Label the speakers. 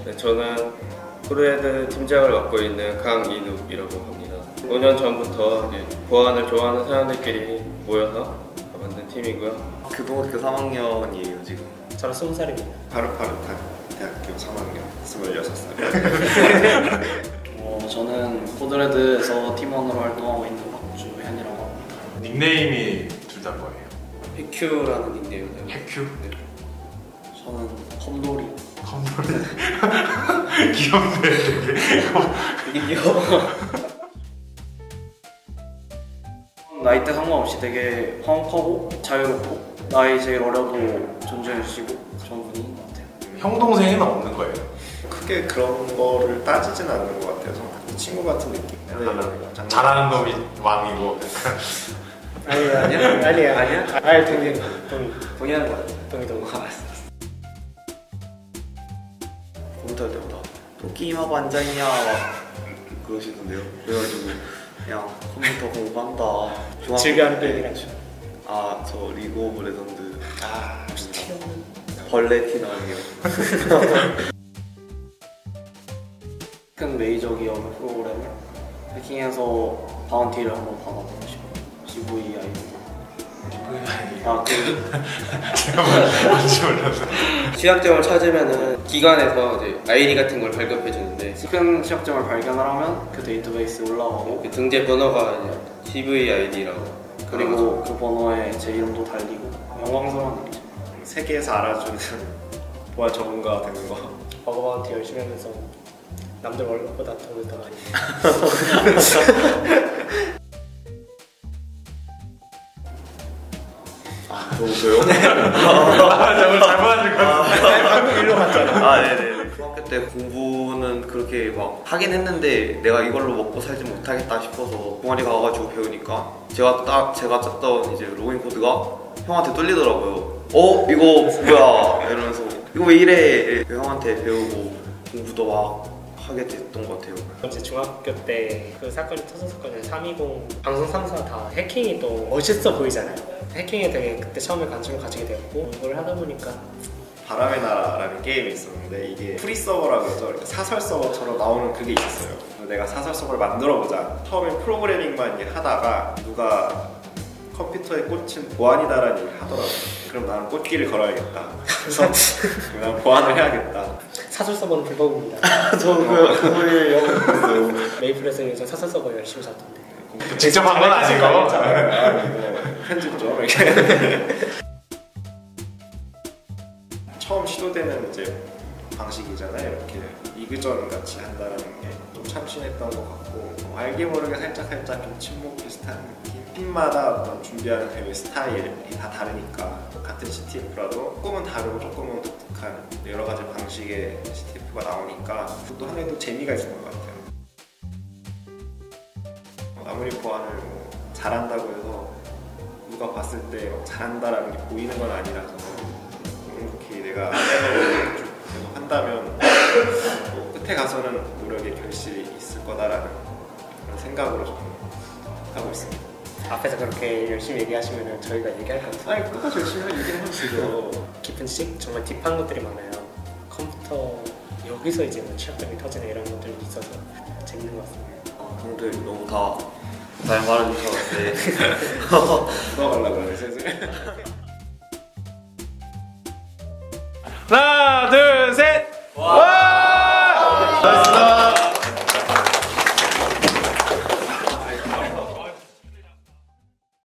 Speaker 1: 네, 저는 코드레드 팀장을 맡고 있는 강인욱이라고 합니다. 5년 전부터 보안을 좋아하는 사람들끼리 모여서 만든 팀이고요.
Speaker 2: 교동학교 3학년이에요 지금.
Speaker 3: 저는 20살입니다.
Speaker 4: 바르파르탄 대학교 3학년 26살.
Speaker 5: 저는 코드레드에서 팀원으로 활동하고 있는 박주현이라고 합니다.
Speaker 6: 닉네임이 둘 다 뭐예요?
Speaker 1: 해큐라는 닉네임이에요.
Speaker 6: 해큐?
Speaker 1: 네.
Speaker 5: 저는 컴돌이.
Speaker 6: 컴돌이. 귀엽네 되게.
Speaker 5: 되게 귀여워. 나이대 상관없이 되게 화목하고 자유롭고 나이 제일 어려도 존중해주시고 좋은 분인 것 같아요.
Speaker 6: 형 동생은 없는 거예요?
Speaker 4: 크게 그런 거를 따지진 않는 것 같아서 친구 같은 느낌.
Speaker 6: 잘하는 놈이 왕이고.
Speaker 3: 아니야.
Speaker 5: 동의하는 것 같아요.
Speaker 3: 동의.
Speaker 2: 컴퓨터 할 때마다 또 게임하고 앉아있냐 막 그러시던데요. 그래가지고 그냥 컴퓨터 공부한다.
Speaker 3: 즐겨하는 게임이라죠.
Speaker 2: 저 리그 오브 레전드.
Speaker 3: 혹시 티어는?
Speaker 2: 벌레 티나이요.
Speaker 5: 큰 메이저 기업 프로그램을 해킹해서 바운티를 한번 받아보고 싶어요. CVI.
Speaker 6: 제가 뭔지 몰라서.
Speaker 1: 취약점을 찾으면은 기관에서 이제 아이디 같은 걸 발급해 주는데
Speaker 5: 큰 취약점을 발견을 하면 그 데이터베이스에 올라가고
Speaker 1: 그 등재 번호가 이제 CVID라고
Speaker 5: 그리고 그 번호에 제 이름도 달리고 영광스러운 일이죠.
Speaker 4: 세계에서 알아주는 보안 전문가가 되는 거.
Speaker 3: 버거 바운티 열심히 하면서 남들 월급보다 돈을 더 많이.
Speaker 2: 저요?
Speaker 6: 저걸 잘못하실 것 같아요.
Speaker 3: 방금 일로 갔잖아.
Speaker 2: 네네. 중학교 때 공부는 그렇게 막 하긴 했는데 내가 이걸로 먹고 살지 못하겠다 싶어서 동아리 가가지고 배우니까 제가 짰던 이제 로그인 코드가 형한테 뚫리더라고요. 이거 뭐야 이러면서 이거 왜 이래? 형한테 배우고 공부도 막 하게 됐던 것 같아요.
Speaker 3: 이제 중학교 때 그 사건이 터졌었거든요. 320 방송 3사 다 해킹이 또 멋있어 보이잖아요. 해킹에 되게 그때 처음에 관심을 가지게 되었고 이걸 하다 보니까
Speaker 4: 바람의 나라라는 게임이 있었는데 이게 프리 서버라고 해서 이렇게 사설 서버처럼 나오는 그게 있었어요. 그래서 내가 사설 서버를 만들어보자. 처음엔 프로그래밍만 하다가 누가 컴퓨터에 꽂힌 보안이다라는 얘기를 하더라고요. 그럼 나는 꽃길을 걸어야겠다. 그래서 난 보안을 해야겠다.
Speaker 3: 사설 서버는 불법입니다.
Speaker 2: 그거에 영어했어요.
Speaker 3: 메이플에서 요즘 사설 서버 열심히 샀던데.
Speaker 6: 직접 한 건 아니고.
Speaker 4: 편집 좀 이렇게. 처음 시도되는 이제 방식이잖아요. 이렇게 리그전 같이 한다는 게 좀 참신했던 것 같고 알게 모르게 살짝 좀 침묵 비슷한 느낌. 팀마다 어떤 준비하는 대회 스타일이 다 다르니까 같은 CTF라도 조금은 다르고 조금은 독특한 여러 가지 방식의 CTF가 나오니까 그것도 하나의 또 재미가 있는 것 같아요. 아무리 보안을 잘한다고 해서 누가 봤을 때 잘한다라는 게 보이는 건 아니라서 이렇게 내가 계속 한다면 끝에 가서는 노력의 결실이 있을 거다라는 그런 생각으로 좀 하고 있습니다.
Speaker 3: 앞에서 그렇게 열심히 얘기하시면 저희가 얘기할 것 같아요.
Speaker 4: 아니 똑같이 열심히 얘기를 하면 되죠.
Speaker 3: 깊은 식 정말 딥한 것들이 많아요. 컴퓨터 여기서 이제 뭐 취약점이 터지는 이런 것들이 있어서 재밌는 것 같습니다.
Speaker 2: 형들 너무 다 말해주셔서
Speaker 4: 들어가려고 하네 슬슬.
Speaker 6: 하나